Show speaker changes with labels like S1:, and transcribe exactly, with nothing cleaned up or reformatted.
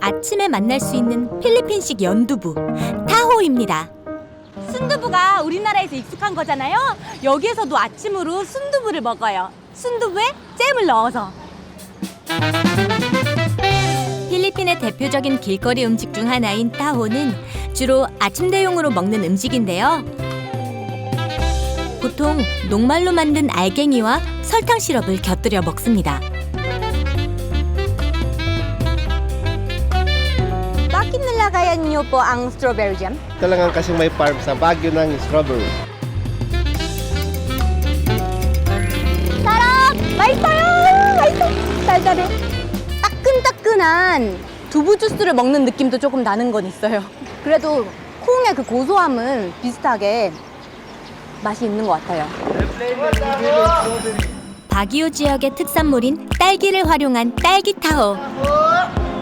S1: 아침에 만날 수 있는 필리핀식 연두부, 타호입니다.
S2: 순두부가 우리나라에서 익숙한 거잖아요. 여기에서도 아침으로 순두부를 먹어요. 순두부에 잼을 넣어서.
S1: 필리핀의 대표적인 길거리 음식 중 하나인 타호는 주로 아침 대용으로 먹는 음식인데요. 보통 녹말로 만든 알갱이와 설탕 시럽을 곁들여 먹습니다.
S2: Bakit nilagayan niyo po ang strawberry jam?
S3: Talagang kasing may farm sa Baguio ng strawberry.
S2: 사람! 맛있어요! 맛있어! 달달해. 따끈따끈한 두부 주스를 먹는 느낌도 조금 나는 건 있어요. 그래도 콩의 그 고소함은 비슷하게 맛이 있는 것 같아요.
S1: 바기오 지역의 특산물인 딸기를 활용한 딸기 타호.